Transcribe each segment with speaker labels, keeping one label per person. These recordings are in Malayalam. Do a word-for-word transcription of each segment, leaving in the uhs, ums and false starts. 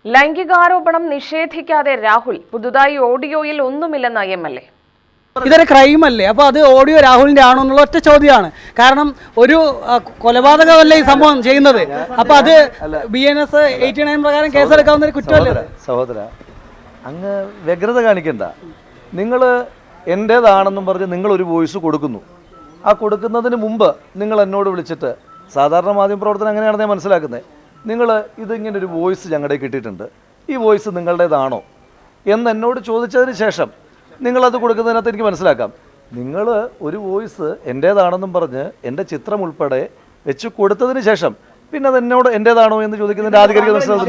Speaker 1: ലൈംഗികാരോപണം നിഷേധിക്കാതെ രാഹുൽ പുതുതായി ഓഡിയോയിൽ ഒന്നുമില്ലെന്ന് എം എൽ എ.
Speaker 2: ഇതൊരു ക്രൈം അല്ലേ? അപ്പോൾ അത് ഓഡിയോ രാഹുലിന്റെ ആണോ എന്നുള്ള ഒറ്റ ചോദ്യമാണ്. കാരണം ഒരു കൊലപാതകമല്ലേ ഈ സംഭവം ചെയ്യുന്നത്. അപ്പോൾ അത് B N S eighty nine പ്രകാരം കേസെടുക്കാവുന്ന ഒരു കുറ്റമല്ലേ?
Speaker 3: സഹോദര, അങ്ങ് വ്യഗ്രത കാണിക്കണ്ട. നിങ്ങൾ എൻ്റേതാണെന്നും പറഞ്ഞ് നിങ്ങളൊരു വോയിസ് കൊടുക്കുന്നു. ആ കൊടുക്കുന്നതിന് മുമ്പ് നിങ്ങൾ എന്നോട് വിളിച്ചിട്ട്, സാധാരണ മാധ്യമപ്രവർത്തനം അങ്ങനെയാണെന്ന് ഞാൻ മനസ്സിലാക്കുന്നത്, നിങ്ങൾ ഇതിങ്ങനെ ഒരു വോയിസ് ഞങ്ങളുടെ കിട്ടിയിട്ടുണ്ട്, ഈ വോയിസ് നിങ്ങളുടേതാണോ എന്ന് എന്നോട് ചോദിച്ചതിന് ശേഷം നിങ്ങളത് കൊടുക്കുന്നതിനകത്ത് എനിക്ക് മനസ്സിലാക്കാം. നിങ്ങൾ ഒരു വോയിസ് എൻ്റേതാണെന്നും പറഞ്ഞ് എൻ്റെ ചിത്രം ഉൾപ്പെടെ വെച്ച് കൊടുത്തതിന് ശേഷം പിന്നെ അത് എന്നോട് എൻ്റേതാണോ എന്ന് ചോദിക്കുന്നതിൻ്റെ ആധികാരിക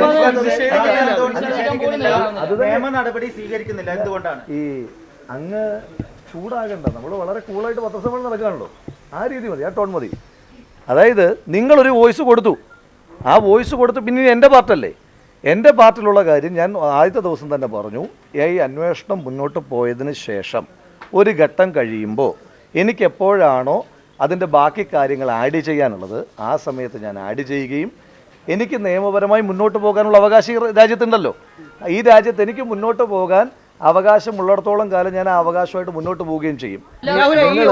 Speaker 3: ഈ അങ്ങ് ചൂടാകണ്ട. നമ്മൾ വളരെ കൂളായിട്ട് പത്രസമ്മേളനം നടക്കുകയാണല്ലോ, ആ രീതി മതി, ആ ടോൺ മതി. അതായത് നിങ്ങളൊരു വോയിസ് കൊടുത്തു, ആ വോയിസ് കൊടുത്ത് പിന്നെ എൻ്റെ പാർട്ടല്ലേ, എൻ്റെ പാർട്ടിലുള്ള കാര്യം ഞാൻ ആദ്യത്തെ ദിവസം തന്നെ പറഞ്ഞു. ഈ അന്വേഷണം മുന്നോട്ട് പോയതിന് ശേഷം ഒരു ഘട്ടം കഴിയുമ്പോൾ എനിക്കെപ്പോഴാണോ അതിൻ്റെ ബാക്കി കാര്യങ്ങൾ ആഡ് ചെയ്യാനുള്ളത് ആ സമയത്ത് ഞാൻ ആഡ് ചെയ്യുകയും, എനിക്ക് നിയമപരമായി മുന്നോട്ട് പോകാനുള്ള അവകാശം രാജ്യത്തുണ്ടല്ലോ, ഈ രാജ്യത്ത് എനിക്ക് മുന്നോട്ട് പോകാൻ അവകാശമുള്ളിടത്തോളം കാലം ഞാൻ ആ അവകാശമായിട്ട് മുന്നോട്ട് പോവുകയും ചെയ്യും. എന്നാ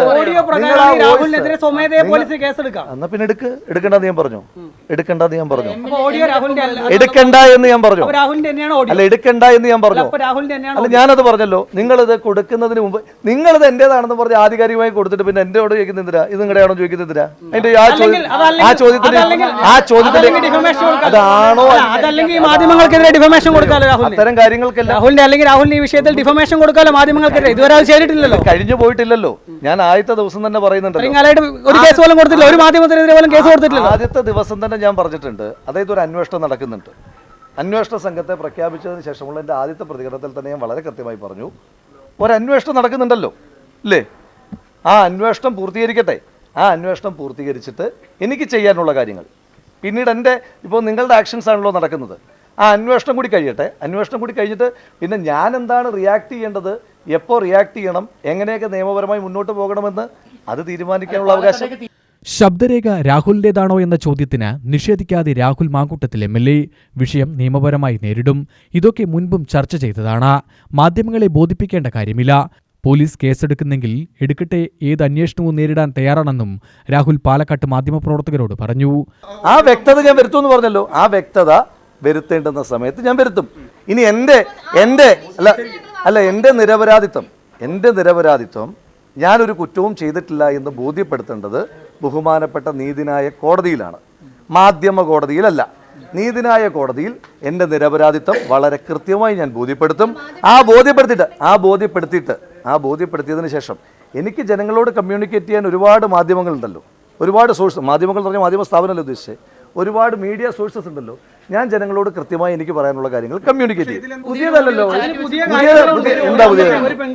Speaker 3: പിന്നെ എടുക്ക് എടുക്കണ്ടെന്ന് ഞാൻ പറഞ്ഞു എടുക്കണ്ടെന്ന് ഞാൻ പറഞ്ഞു എടുക്കണ്ട എന്ന് ഞാൻ പറഞ്ഞു അല്ല എടുക്കണ്ട എന്ന് ഞാൻ പറഞ്ഞു അല്ല ഞാനത് പറഞ്ഞല്ലോ. നിങ്ങളിത് കൊടുക്കുന്നതിന് മുമ്പ് നിങ്ങളിത് എന്റേതാണെന്ന് പറഞ്ഞ് ആധികാരികമായി കൊടുത്തിട്ട് പിന്നെ എന്റെയോട് ചോദിക്കുന്നില്ല, ഇത് നിങ്ങളുടെയാണോ ചോദിക്കുന്നില്ല. അതിന്റെ ആ ചോദ്യം ആ ചോദ്യത്തിന് ആ ചോദ്യത്തിന് അതാണോ
Speaker 2: മാധ്യമങ്ങൾക്കെതിരെ ഡിഫമേഷൻ കൊടുക്കാലോ
Speaker 3: അത്തരം കാര്യങ്ങൾക്കെല്ലാം
Speaker 2: രാഹുലിന്റെ അല്ലെങ്കിൽ രാഹുലിന്റെ വിഷയത്തിൽ ഡിഫമേഷൻ കൊടുക്കാലോ മാധ്യമങ്ങൾക്കെതിരെ. ഇതുവരെ അത് ചെയ്തിട്ടില്ലല്ലോ,
Speaker 3: കഴിഞ്ഞു പോയിട്ടില്ലല്ലോ. ഞാൻ ആദ്യത്തെ ദിവസം തന്നെ പറയുന്നുണ്ട്,
Speaker 2: ഒരു കേസ് പോലും കൊടുത്തില്ല, ഒരു മാധ്യമത്തിനെതിരെ പോലും കേസ് കൊടുത്തിട്ടില്ല.
Speaker 3: ആദ്യത്തെ ദിവസം തന്നെ ഞാൻ പറഞ്ഞിട്ടുണ്ട്, അതായത് ഒരു അന്വേഷണം നടക്കുന്നുണ്ട്. അന്വേഷണ സംഘത്തെ പ്രഖ്യാപിച്ചതിന് ശേഷമുള്ള എൻ്റെ ആദ്യത്തെ പ്രതികരണത്തിൽ തന്നെ ഞാൻ വളരെ കൃത്യമായി പറഞ്ഞു, ഒരന്വേഷണം നടക്കുന്നുണ്ടല്ലോ അല്ലേ, ആ അന്വേഷണം പൂർത്തീകരിക്കട്ടെ. ആ അന്വേഷണം പൂർത്തീകരിച്ചിട്ട് എനിക്ക് ചെയ്യാനുള്ള കാര്യങ്ങൾ പിന്നീട് എൻ്റെ ഇപ്പോൾ നിങ്ങളുടെ ആക്ഷൻസ് ആണല്ലോ നടക്കുന്നത്, ആ അന്വേഷണം കൂടി കഴിയട്ടെ. അന്വേഷണം കൂടി കഴിഞ്ഞിട്ട് പിന്നെ ഞാൻ എന്താണ് റിയാക്ട് ചെയ്യേണ്ടത്, എപ്പോൾ റിയാക്ട് ചെയ്യണം, എങ്ങനെയൊക്കെ നിയമപരമായി മുന്നോട്ട് പോകണമെന്ന് അത് തീരുമാനിക്കാനുള്ള അവകാശം.
Speaker 4: ശബ്ദരേഖ രാഹുലിൻ്റെതാണോ എന്ന ചോദ്യത്തിന് നിഷേധിക്കാതെ Rahul Mankootathil M L A വിഷയം നിയമപരമായി നേരിടും. ഇതൊക്കെ മുൻപും ചർച്ച ചെയ്തതാണ്. മാധ്യമങ്ങളെ ബോധിപ്പിക്കേണ്ട കാര്യമില്ല. പോലീസ് കേസെടുക്കുന്നെങ്കിൽ എടുക്കട്ടെ, ഏത് അന്വേഷണവും നേരിടാൻ തയ്യാറാണെന്നും രാഹുൽ പാലക്കാട്ട് മാധ്യമപ്രവർത്തകരോട് പറഞ്ഞു.
Speaker 3: ആ വ്യക്തത ഞാൻ വരുത്തുമെന്ന് പറഞ്ഞല്ലോ, ആ വ്യക്തത വരുത്തേണ്ടുന്ന സമയത്ത് ഞാൻ വരുത്തും. ഇനി എൻ്റെ എൻ്റെ അല്ല അല്ല എൻ്റെ നിരപരാധിത്വം എൻ്റെ നിരപരാധിത്വം ഞാനൊരു കുറ്റവും ചെയ്തിട്ടില്ല എന്ന് ബോധ്യപ്പെടുത്തേണ്ടത് ബഹുമാനപ്പെട്ട നീതിന്യായ കോടതിയിലാണ്, മാധ്യമ കോടതിയിലല്ല. നീതിന്യായ കോടതിയിൽ എൻ്റെ നിരപരാധിത്വം വളരെ കൃത്യമായി ഞാൻ ബോധ്യപ്പെടുത്തും. ആ ബോധ്യപ്പെടുത്തിയിട്ട് ആ ബോധ്യപ്പെടുത്തിയിട്ട് ആ ബോധ്യപ്പെടുത്തിയതിന് ശേഷം എനിക്ക് ജനങ്ങളോട് കമ്മ്യൂണിക്കേറ്റ് ചെയ്യാൻ ഒരുപാട് മാധ്യമങ്ങളുണ്ടല്ലോ, ഒരുപാട് സോഴ്സ്, മാധ്യമങ്ങൾ എന്ന് പറഞ്ഞാൽ മാധ്യമ സ്ഥാപനമല്ല ഉദ്ദേശിച്ചത്, ഒരുപാട് മീഡിയ സോഴ്സസ് ഉണ്ടല്ലോ. ഞാൻ ജനങ്ങളോട് കൃത്യമായി എനിക്ക് പറയാനുള്ള കാര്യങ്ങൾ കമ്മ്യൂണിക്കേറ്റ് ചെയ്യും. പുതിയതല്ലല്ലോ, എന്താ പുതിയത്?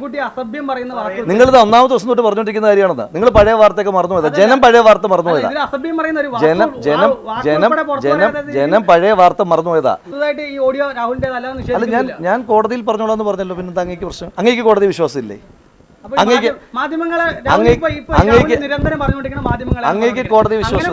Speaker 3: നിങ്ങളിത് ഒന്നാമത്തെ ദിവസം തൊട്ട് പറഞ്ഞുകൊണ്ടിരിക്കുന്ന കാര്യമാണെന്ന്. നിങ്ങൾ പഴയ വാർത്തയൊക്കെ മറന്നുപോയതാ, ജനം പഴയ വാർത്ത മറന്നുപോയതാ, ജനം ജനം ജനം ജനം ജനം പഴയ വാർത്ത മറന്നുപോയതാ. അല്ല ഞാൻ ഞാൻ കോടതിയിൽ പറഞ്ഞോളാന്ന് പറഞ്ഞല്ലോ, പിന്നെ അങ്ങേക്ക് പ്രശ്നം, അങ്ങേക്ക് കോടതി വിശ്വാസം ഇല്ലേ? അങ്ങേക്ക് അങ്ങേക്ക് കോടതി വിശ്വാസം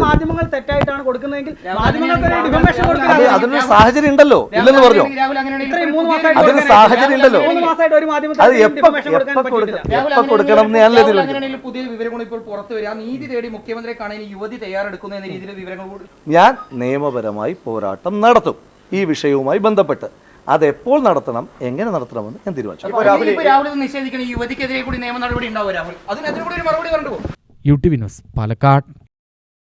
Speaker 3: അതിനൊരു സാഹചര്യം ഉണ്ടല്ലോ, ഇല്ലെന്ന് പറഞ്ഞോ? അതിന് സാഹചര്യം ഉണ്ടല്ലോ, അത് എപ്പോ എപ്പോ കൊടുക്കണം എന്ന് ഞാനല്ലേ തീരുമാനിക്കും.
Speaker 5: പുതിയ വിവരങ്ങൾ ഇപ്പോൾ പുറത്തു വരിക, നീതി തേടി മുഖ്യമന്ത്രിയെ കാണാൻ യുവതി തയ്യാറെടുക്കുന്ന എന്ന രീതിയിലെ വിവരങ്ങൾ
Speaker 3: ഞാൻ നിയമപരമായി പോരാട്ടം നടത്തും ഈ വിഷയവുമായി ബന്ധപ്പെട്ട്. അതെപ്പോൾ നടത്തണം, എങ്ങനെ നടത്തണമെന്ന് ഞാൻ തീരുമാനിച്ചു.
Speaker 5: നിഷേധിക്കുന്ന യുവതിക്കെതിരെ കൂടി നിയമ നടപടി ഉണ്ടാവും രാഹുൽ, അതിനെതിരെ കൂടി ഒരു മറുപടി കണ്ടു.
Speaker 4: U T V news Palakkad.